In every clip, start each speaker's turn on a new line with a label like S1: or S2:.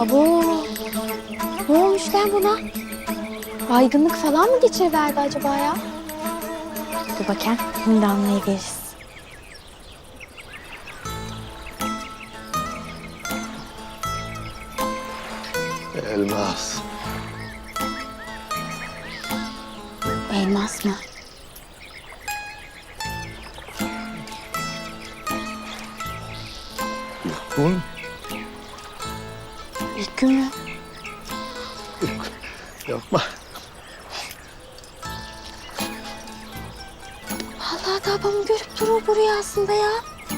S1: Abo. Ne olmuş lan buna? Baygınlık falan mı geçiriverdi acaba ya? Dur bakayım. Şimdi anlayıveririz.
S2: Elmas.
S1: Elmas mı?
S2: Gün.
S1: İlk gün mü?
S2: Yapma.
S1: Vallahi da babamı görüp durur bu rüyasında ya.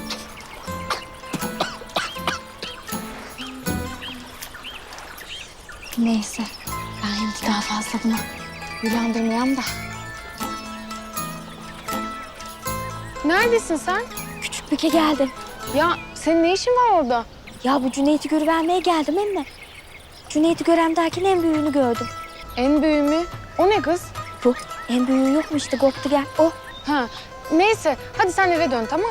S1: Neyse. Ben şimdi daha fazla bunu uyandırmayayım da.
S3: Neredesin sen?
S1: Küçüklüğe geldim.
S3: Ya senin ne işin var orada?
S1: Ya bu Cüneyt'i görüvermeye geldim emme. Cüneyt'i görem derken en büyüğünü gördüm.
S3: En büyüğü mü? O ne kız?
S1: Bu en büyüğü yok mu işte koptu gel o.
S3: Ha, neyse hadi sen eve dön tamam.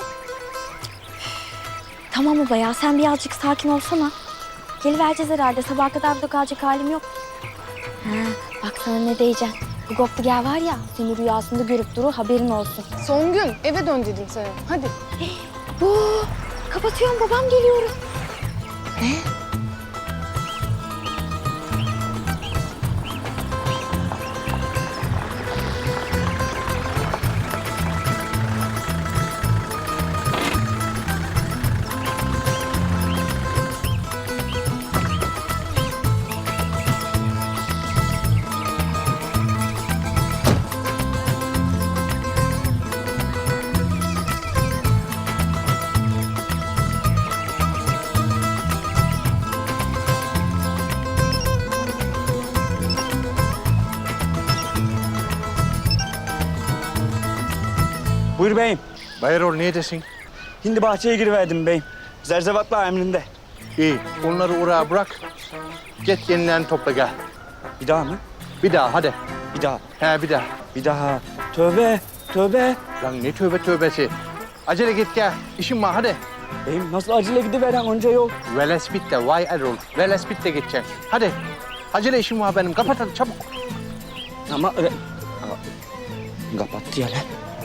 S1: Tamam baba ya sen birazcık sakin olsana. Gelivereceğiz herhalde sabaha kadar burada kalacak halim yok. Ha, bak sana ne diyeceğim. Bu koptu gel var ya seni rüyasında görüp durur haberin olsun.
S3: Son gün eve dön dedim sana. Hadi.
S1: Bu kapatıyorum babam geliyorum.
S3: Ne?
S4: Buyur beyim.
S2: Bayrol neredesin?
S4: Şimdi bahçeye giriverdim beyim. Zerzevatla emrinde.
S2: İyi. Onları oraya bırak. Git yenilerini topla gel.
S4: Bir daha mı?
S2: Bir daha hadi.
S4: Bir daha.
S2: He bir daha.
S4: Bir daha. Tövbe. Tövbe.
S2: Lan ne tövbe tövbesi. Acele git gel. İşim var hadi.
S4: Beyim nasıl acele gidiveren onca yol.
S2: Velespit'te vay Erol. Velespit'te gideceksin. Hadi. Acele işim var benim. Kapat hadi çabuk.
S4: Ama... Kapattı ya lan.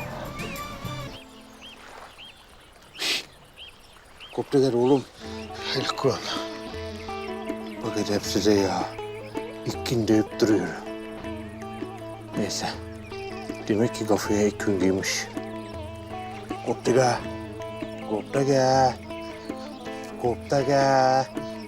S2: Kopteler oğlum. El Kur'an. Bak hep size ya. İlk gün deyip duruyor. Neyse. Demek ki kafaya ilk gün giymiş. Koptega. Koptega. Koptega.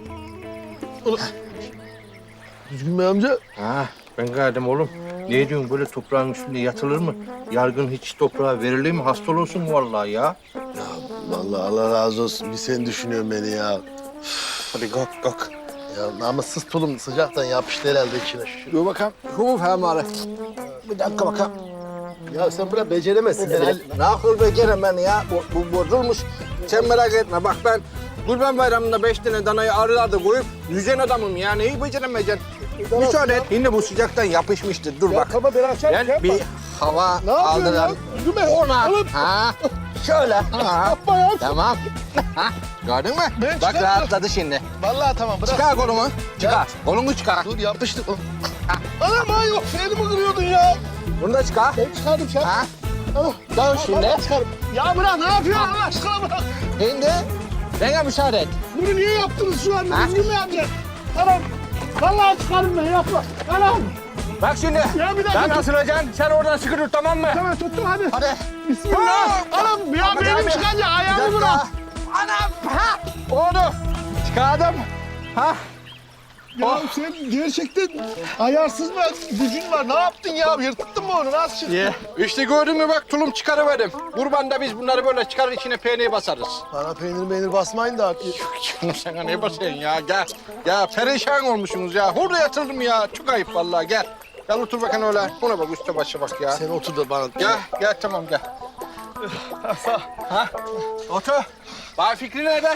S5: Düzgün Bey amca.
S2: Ha, ben geldim oğlum. Ne diyorsun böyle toprağın üstünde yatılır mı? Yargın hiç toprağa verilir mi? Hasta olursun vallahi ya.
S5: Ya vallahi Allah razı olsun. Bir sen düşünüyorsun beni ya.
S2: Hadi kalk kalk.
S5: Ya namussuz tulum sıcaktan yapıştı herhalde içine.
S2: Dur bakalım. Huf hemen. Bir dakika bakalım.
S5: Ya sen buna beceremezsin herhalde.
S2: Ne yapıyor becerem ben ya? Bu bozulmuş. Sen merak etme. Bak ben Kurban Bayramı'nda 5 tane danayı arılarda koyup yüzen adamım ya. Neyi beceremeyeceksin? Müsaade et. Yine bu sıcaktan yapışmıştır. Dur bak.
S5: Tamam ben açarım.
S2: Ben bir hava
S5: Ne yapıyorsun
S2: aldıran.
S5: ya? Düzgün Bey.
S2: Ona.
S5: Oğlum.
S2: Ha. Şöyle. Ha.
S5: Yapma ya.
S2: Tamam. Ha. Gördün mü?
S5: Ben
S2: Bak
S5: çıkarım.
S2: rahatladı şimdi.
S5: Vallahi tamam bırak.
S2: Çıkar kolumu. Çıkar. Kolunu çıkar.
S5: Dur yapıştı. Anam ha yok. Elimi kırıyordun ya.
S2: Bunu da çıkar.
S5: Ben çıkardım şu an.
S2: Ha.
S5: Ah,
S2: Dön şimdi.
S5: vallahi çıkarım. Ya bırak ne yapıyorsun Allah aşkına bırak.
S2: Şimdi bana müsaade et.
S5: Bunu niye yaptınız şu an?
S2: Ha?
S5: Düzgün Bey amca. Anam. Vallahi çıkarım ben yapma. Anam.
S2: Bak şimdi.
S5: Ya bir dakika.
S2: Ben asılacaksın. Sen oradan sıkı dur tamam mı?
S5: Tamam tuttum hadi.
S2: Hadi.
S5: Bismillah. Anam ya
S2: Ama
S5: benim
S2: abi,
S5: çıkınca
S2: bir
S5: ayağımı
S2: dakika.
S5: bırak.
S2: Anam. Ha. Oldu. Çıkardım. Ha.
S5: Ya
S2: Oh.
S5: sen gerçekten ayarsız mı gücün var? Ne yaptın ya? Yırttın mı onu? Nasıl çıktı?
S2: İşte gördün mü bak tulum çıkarıverdim. Kurbanda biz bunları böyle çıkarır içine peynir basarız.
S5: Bana peynir basmayın da.
S2: Canım sana ne basıyorsun ya gel. Ya perişan olmuşsunuz ya. Hurda yatırdım ya. Çok ayıp vallahi gel. Gel otur bakın öyle. Buna bak üstte başa bak ya.
S5: Sen otur da bana.
S2: Gel tamam gel. Ha? Otur. Bay Fikri nerede?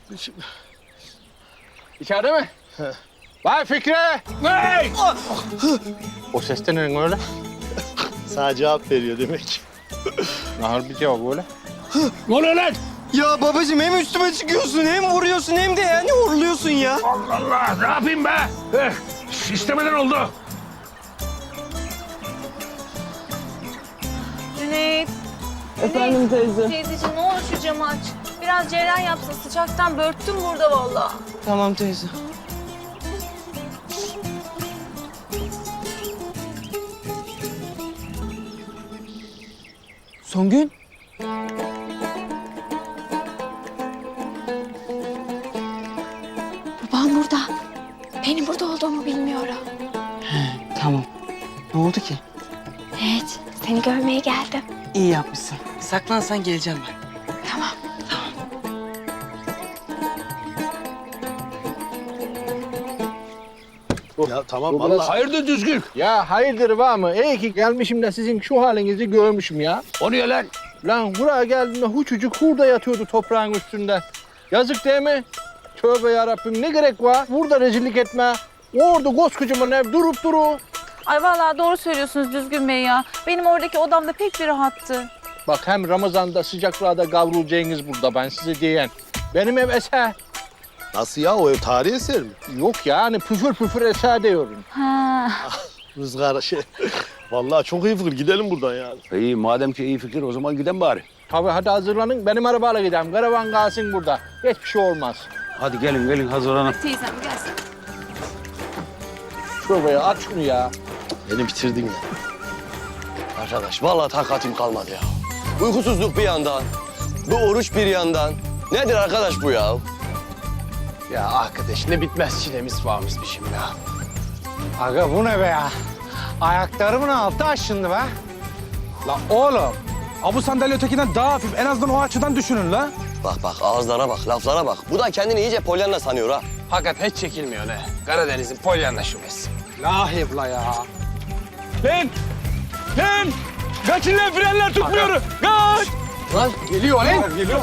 S2: İçeride mi? Bay Fikri! Hey! O ses de ne öyle?
S5: Sana cevap veriyor demek.
S2: Nahar bir cevap öyle.
S6: Ne oluyor lan? Ya babacığım hem üstüme çıkıyorsun hem vuruyorsun hem de yani horluyorsun ya.
S7: Allah Allah, ne yapayım be? İstemeden oldu.
S8: Cüneyt.
S6: Efendim teyze.
S8: Teyzeciğim ne olur şu camı aç. Biraz cereyan yapsın. Sıcaktan börttüm burada vallahi.
S6: Tamam teyze. Songül.
S1: Babam burada. Benim burada olduğumu bilmiyorum.
S6: Tamam. Ne oldu ki?
S1: Evet, seni görmeye geldim.
S6: İyi yapmışsın. Saklansan geleceğim ben.
S1: Tamam.
S5: Ya tamam vallahi.
S7: Hayırdır düzgün?
S5: Ya hayırdır var mı? İyi ki gelmişim de sizin şu halinizi görmüşüm ya.
S7: O niye lan?
S5: Lan buraya geldiğimde huçucuk hurda yatıyordu toprağın üstünde. Yazık değil mi? Tövbe yarabbim ne gerek var? Burada rezillik etme. Orada koskocaman ev durup duru.
S8: Ay vallahi doğru söylüyorsunuz Düzgün Bey ya. Benim oradaki odamda pek bir rahattı.
S5: Bak hem Ramazan'da sıcaklarda kavrulacaksınız burada ben size diyen. Benim ev eser.
S9: Nasıl ya? O ev tarihi eser mi?
S5: Yok yani püfür püfür eser diyorum.
S8: Ha.
S9: Rızgar şey. Vallahi çok iyi fikir. Gidelim buradan ya.
S7: İyi, madem ki iyi fikir o zaman gidelim bari.
S5: Tabii hadi hazırlanın. Benim arabayla gidelim. Karavan kalsın burada. Hiçbir şey olmaz.
S7: Hadi gelin hazırlanın.
S8: Teyzem gelsin.
S5: Şuraya aç şunu ya.
S9: Beni bitirdin ya. Arkadaş vallahi takatim kalmadı ya. Uykusuzluk bir yandan, bu oruç bir yandan. Nedir arkadaş bu ya?
S2: Ya arkadaş ne bitmez çilemiz varmışmışım ya. Aga bu ne be ya? Ayaklarımın altı aşındı be.
S10: La oğlum, bu sandalye ötekinden daha hafif. En azından o açıdan düşünün la.
S9: Bak bak ağızlara bak, laflara bak. Bu da kendini iyice Pollyanna sanıyor ha.
S2: Fakat hiç çekilmiyor ne? Karadeniz'in Pollyanna şubesi. Lahip la ya.
S10: Lan! Lan! Kaçın lan frenler tutmuyor. Kaç!
S5: Lan geliyor lan.
S10: Geliyor.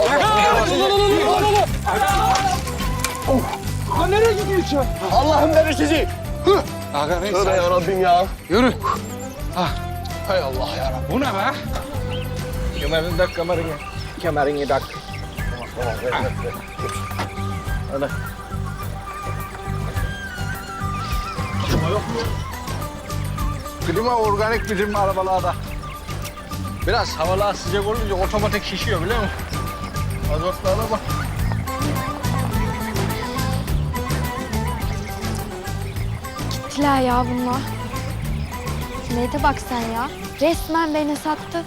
S10: Lan nereye gidiyorsun?
S9: Allah'ım beni sizi.
S2: Aga neyse.
S9: Tövbe yarabbim ya.
S2: Yürü. Hay Allah yarabbim.
S10: Bu ne be?
S5: Kemerini tak kemerini. Kemerini tak. Hadi. Klima organik bizim arabalarda. Biraz havalar sıcak olunca otomatik şişiyor biliyor musun? Azotlara bak.
S1: Gittiler ya bunlar. Cüneyt'e bak sen ya. Resmen beni sattı.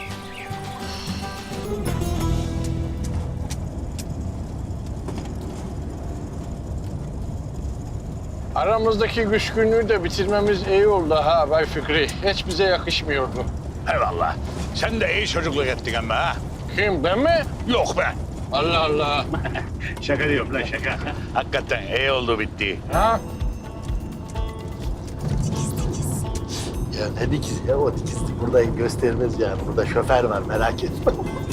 S5: Aramızdaki küskünlüğü de bitirmemiz iyi oldu ha Bay Fikri. Hiç bize yakışmıyordu.
S7: Eyvallah. Sen de iyi çocukluk ettin ama ha.
S5: Kim ben mi?
S7: Yok be.
S5: Allah Allah.
S7: Şaka diyorum lan şaka. Hakikaten iyi oldu bitti.
S5: Ha?
S9: Ya ne dikiz ya o dikizlik burada göstermez yani. Burada şoför var merak etme.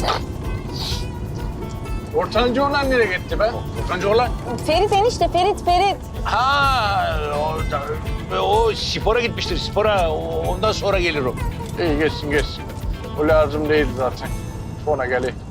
S5: Ortancı olan nereye gitti be?
S7: Furkancı oğlan.
S8: Ferit enişte, Ferit.
S7: Ha o spora gitmiştir spora. Ondan sonra gelir o.
S5: İyi geçsin geçsin. O lazım değil zaten. Sonra geleyim.